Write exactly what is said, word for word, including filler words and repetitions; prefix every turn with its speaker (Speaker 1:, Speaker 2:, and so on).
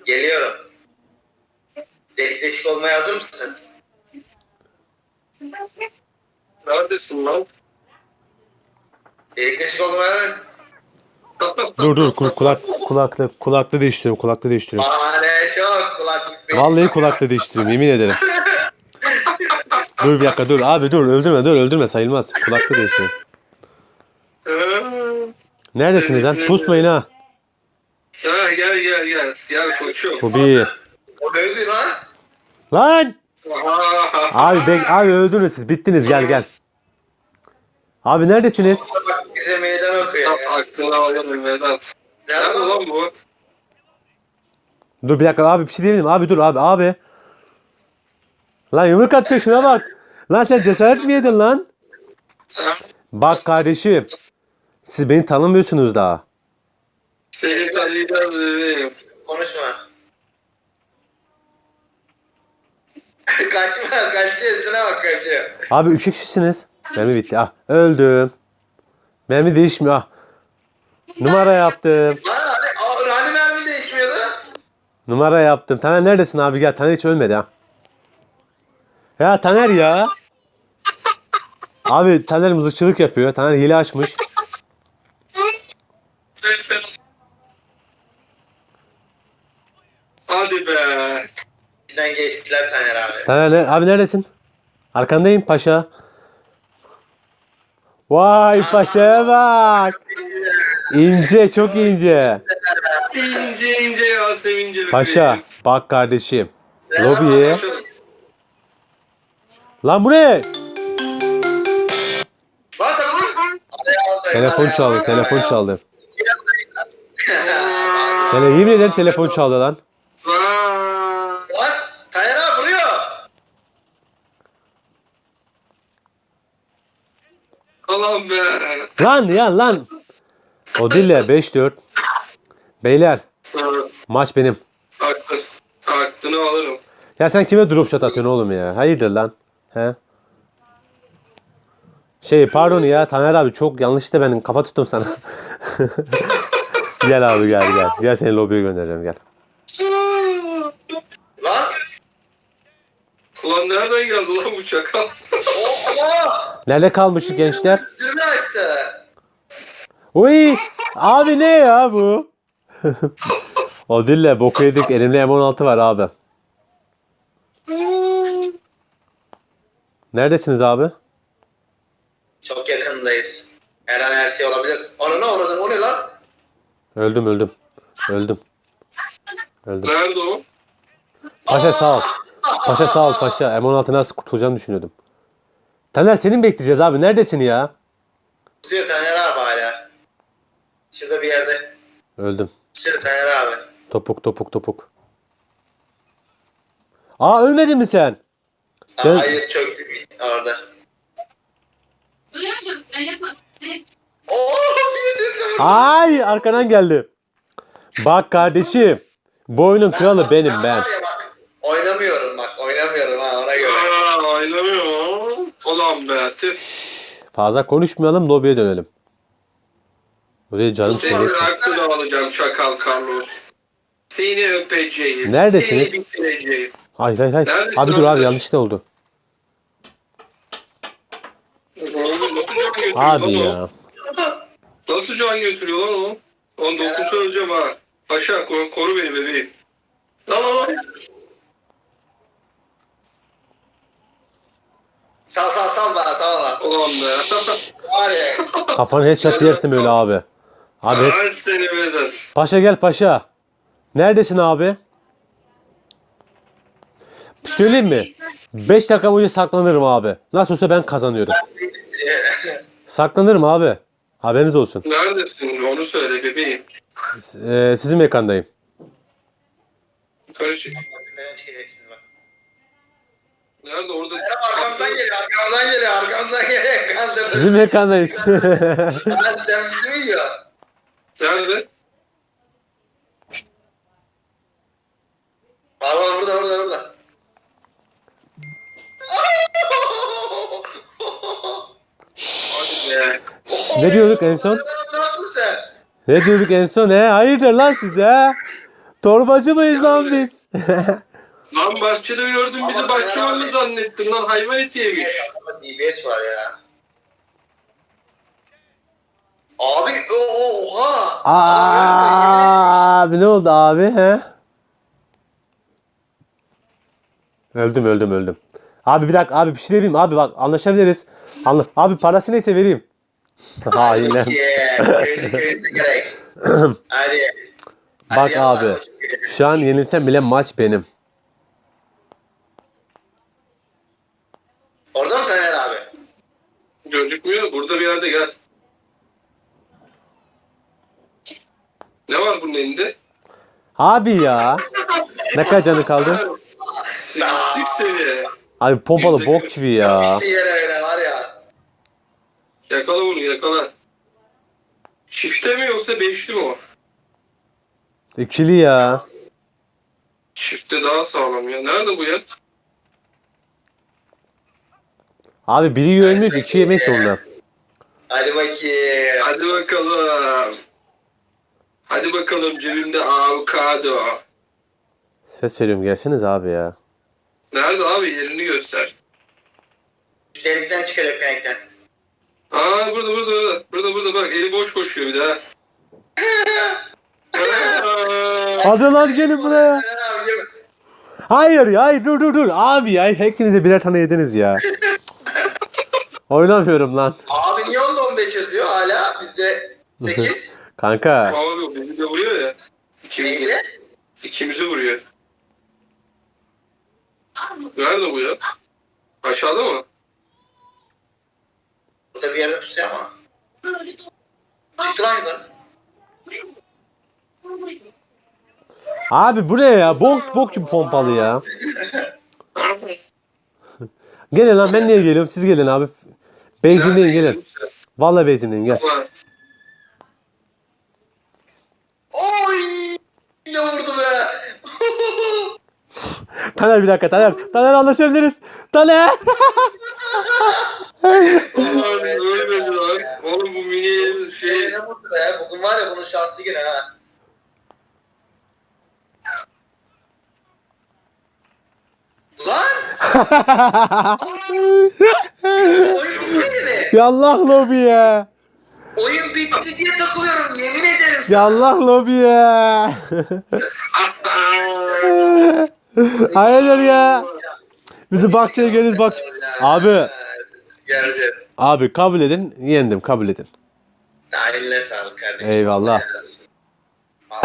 Speaker 1: Geliyorum. Delik deşik olmaya hazır mısın?
Speaker 2: Neredesin lan?
Speaker 1: Delik deşik olmaya hazır.
Speaker 3: Dur dur kul- kulak kulaklık kulaklığı değiştiriyorum kulaklığı değiştiriyorum.
Speaker 1: Bahane çok kulaklık değil.
Speaker 3: Vallahi kulaklığı değiştiriyorum yemin ederim. Dur bir dakika dur abi dur öldürme dur öldürme sayılmaz. Kulaklığı değiştiriyorum. Neredesiniz lan? Pusmayın ha.
Speaker 2: Ha gel gel gel. Gel koçum.
Speaker 3: Bu bir.
Speaker 1: O neydi lan?
Speaker 3: Lan! Abi bek abi öldünüz siz bittiniz gel gel. Abi neredesiniz?
Speaker 1: Bak bize meydan okuyor ya.
Speaker 2: Aklını alırım Vedat. Nerede lan bu?
Speaker 3: Dur bir dakika abi bir şey diyelim abi dur abi abi. Lan yumruk atıyor şuna bak. Lan sen cesaret mi yedin lan? Bak kardeşim. Siz beni tanımıyorsunuz daha.
Speaker 2: Seni tanıyacağız bebeğim.
Speaker 1: Konuşma. Kaçma kaçıyor üstüne bak kaçıyor.
Speaker 3: Abi üç kişisiniz. Mermi bitti. Ah öldüm. Mermi değişmiyor. Ah. Numara yaptım.
Speaker 1: Lan hani, aa, hani mermi değişmiyordu?
Speaker 3: Numara yaptım. Taner neredesin abi gel. Taner hiç ölmedi ha. Ya Taner ya. Abi Taner mızıkçılık yapıyor. Taner hile açmış.
Speaker 2: Hadi be.
Speaker 1: İçinden geçtiler Taner abi.
Speaker 3: Taner ne- abi neredesin? Arkandayım paşa. Vay paşaya bak. İnce çok ince.
Speaker 2: İnce ince Yasemince bebeğim.
Speaker 3: Paşa bak kardeşim. Lobiye. Lan bu ne?
Speaker 1: Lan tamam.
Speaker 3: Telefon çaldı telefon çaldı. Tele yemin ederim telefon çaldı lan.
Speaker 2: Aa,
Speaker 1: Lan Taner abi vuruyor.
Speaker 2: Aman be.
Speaker 3: Lan ya lan. O değil de beş dört. Beyler maç benim.
Speaker 2: Aklın, aklını alırım.
Speaker 3: Ya sen kime drop shot atıyorsun oğlum ya? Hayırdır lan? He? Şey pardon ya Taner abi çok yanlışlıkla ben kafa tuttum sana. Gel abi gel gel. Gel seni lobiye göndereceğim gel.
Speaker 1: Lan.
Speaker 2: Ulan nereden geldi lan bu çakal?
Speaker 1: Allah.
Speaker 3: Nerede kalmışız gençler?
Speaker 1: Düğme açtı.
Speaker 3: Uy! Abi ne ya bu? O dille boku yedik. Elimde M on altı var abi. Neredesiniz abi?
Speaker 1: Çok yakındayız. Her an her şey olabilir. Ananı avradın o ne lan?
Speaker 3: Öldüm öldüm. Öldüm. Öldüm.
Speaker 2: Nerede o?
Speaker 3: Paşa sağ ol. Paşa sağ ol paşa. M on altı nasıl kurtulacağımı düşünüyordum. Taner senin bekleyeceğiz abi. Neredesin ya?
Speaker 1: Tutuyor Taner abi hala. Şurada bir yerde.
Speaker 3: Öldüm.
Speaker 1: Tutuyor Taner abi.
Speaker 3: Topuk topuk topuk. Aa ölmedin mi sen?
Speaker 1: Aa,
Speaker 3: Ben-
Speaker 1: hayır çöktü orada. Oo bir sesle vurdu.
Speaker 3: Ay arkadan geldi. Bak kardeşim. Bu oyunun kralı benim ben.
Speaker 1: var ya bak, oynamıyorum bak oynamıyorum ha ona göre.
Speaker 2: Aa, oynamıyor. Ulan be. Tüh.
Speaker 3: Fazla konuşmayalım lobiye dönelim. Oraya canım
Speaker 2: Seni
Speaker 3: seni.
Speaker 2: aklını alacağım çakal Carlos. Seni öpeceğim.
Speaker 3: Neredesiniz?
Speaker 2: Seni bitireceğim.
Speaker 3: Hayır hayır hayır.
Speaker 2: Neredesin
Speaker 3: Abi dur abi
Speaker 2: arkadaş?
Speaker 3: yanlışlıkla oldu.
Speaker 2: Oğlum nasıl can götürüyor
Speaker 3: Abi
Speaker 2: lan o?
Speaker 3: ya.
Speaker 2: Nasıl can götürüyor lan o? On dokuz öleceğim ha. Paşa koru, koru beni bebeğim. Lan lan lan.
Speaker 1: Sal sal sal bana sal bana.
Speaker 2: Ulan be.
Speaker 1: Var ya.
Speaker 3: Kafanı headshot yersin böyle abi. Abi head-
Speaker 2: Her seni Vedat.
Speaker 3: paşa gel paşa. Neredesin abi? Söyleyeyim mi? beş dakika boyunca saklanırım abi. Nasıl olsa ben kazanıyorum. Saklanırım abi. Haberiniz olsun.
Speaker 2: Neredesin? Onu söyle bebeğim.
Speaker 3: Ee, sizin mekandayım.
Speaker 2: Yukarı çık.
Speaker 1: Neden çıkacak şimdi bak.
Speaker 2: Nerede orada?
Speaker 1: Arkamızdan geliyor arkamızdan geliyor arkamızdan geliyor. Kandırdım.
Speaker 3: Sizin mekandayız.
Speaker 1: Lan sen bizi mi yiyorsun?
Speaker 2: Nerede?
Speaker 1: Var var burada burada burada.
Speaker 2: Hadi be.
Speaker 3: Ne diyorduk en son?
Speaker 1: Ne yaptın sen?
Speaker 3: Ne diyorduk en son he? Hayırdır lan size? Torbacı mıyız lan biz?
Speaker 2: Lan bahçede gördün bizi
Speaker 1: Ama
Speaker 2: bahçıvan mı
Speaker 1: abi.
Speaker 2: zannettin lan hayvan eti yemiş.
Speaker 1: Adamda D B S var ya. Abi o- oha.
Speaker 3: Aa, abi ne oldu abi he? Öldüm öldüm öldüm. Abi bir dakika abi bir şey diyeyim abi bak anlaşabiliriz. Anla abi parası neyse vereyim. Hain lan.
Speaker 1: Yeah, köylü köylü gerek. Hadi. Hadi
Speaker 3: Bak
Speaker 1: yallah,
Speaker 3: abi.
Speaker 1: koçum köylü.
Speaker 3: Şu an yenilsem bile maç benim.
Speaker 1: Orada mı Taner abi?
Speaker 2: Gözükmüyor. Burada bir yerde gel. Ne var bunun elinde?
Speaker 3: Abi ya. Ne kadar canı kaldı?
Speaker 2: Sık seni.
Speaker 3: Abi pompalı bok gibi ya.
Speaker 1: Yapıştı yere öyle var ya.
Speaker 2: Yakala bunu yakala. Çifte mi yoksa beşli mi o?
Speaker 3: İkili ya.
Speaker 2: Çifte daha sağlam ya. Nerede bu ya?
Speaker 3: Abi biri yönmüyor ki iki yemek zorunda.
Speaker 1: Hadi bakayım.
Speaker 2: Hadi bakalım. Hadi bakalım cebimde avokado.
Speaker 3: Ses veriyorum gelseniz abi ya.
Speaker 2: Nerede abi yerini göster.
Speaker 1: Delikten çıkacak penekten.
Speaker 2: Aa burada burada burada. Burada burada bak eli boş koşuyor bir daha. Aa,
Speaker 3: Hadi lan gelin buraya.
Speaker 1: Taner abi gelin.
Speaker 3: Hayır ya hayır dur dur dur. Abi ya hepinize birer tane yediniz ya. Oynamıyorum lan.
Speaker 1: Abi niye onda on beş yazıyor hala? Bizde sekiz.
Speaker 3: Kanka.
Speaker 2: Abi o bizi de vuruyor ya. İkimizi,
Speaker 1: Neydi?
Speaker 2: ikimizi vuruyor. Nerede bu ya? Aşağıda mı?
Speaker 1: Burada bir yerde pusuyor ama. Çıktı lan yukarı.
Speaker 3: Abi bu ne ya? Bok bok gibi pompalı ya. Gelin lan ben niye geliyorum? Siz gelin abi. Benzinleyin gelin. Vallahi benzinleyin gel.
Speaker 2: Ulan,
Speaker 1: Oy! Ne vurdu be?
Speaker 3: Taner bir dakika Taner. Taner anlaşabiliriz. Taner.
Speaker 2: ulan ölmedi lan. Oğlum bu mini şey...
Speaker 1: Ne vurdu be? Bugün var ya bunun şanslı günü ha. Lan! Oyun bitmedi mi?
Speaker 3: Yallah lobiye.
Speaker 1: Oyun bitti diye takılıyorum yemin ederim sana.
Speaker 3: Yallah lobiye. Hayırdır ya? Bizi bahçeye geliriz bak. Abi.
Speaker 1: Geleceğiz.
Speaker 3: Abi kabul edin. Yendim kabul edin.
Speaker 1: Eline sağlık kardeşim.
Speaker 3: Eyvallah.
Speaker 1: Helal olsun.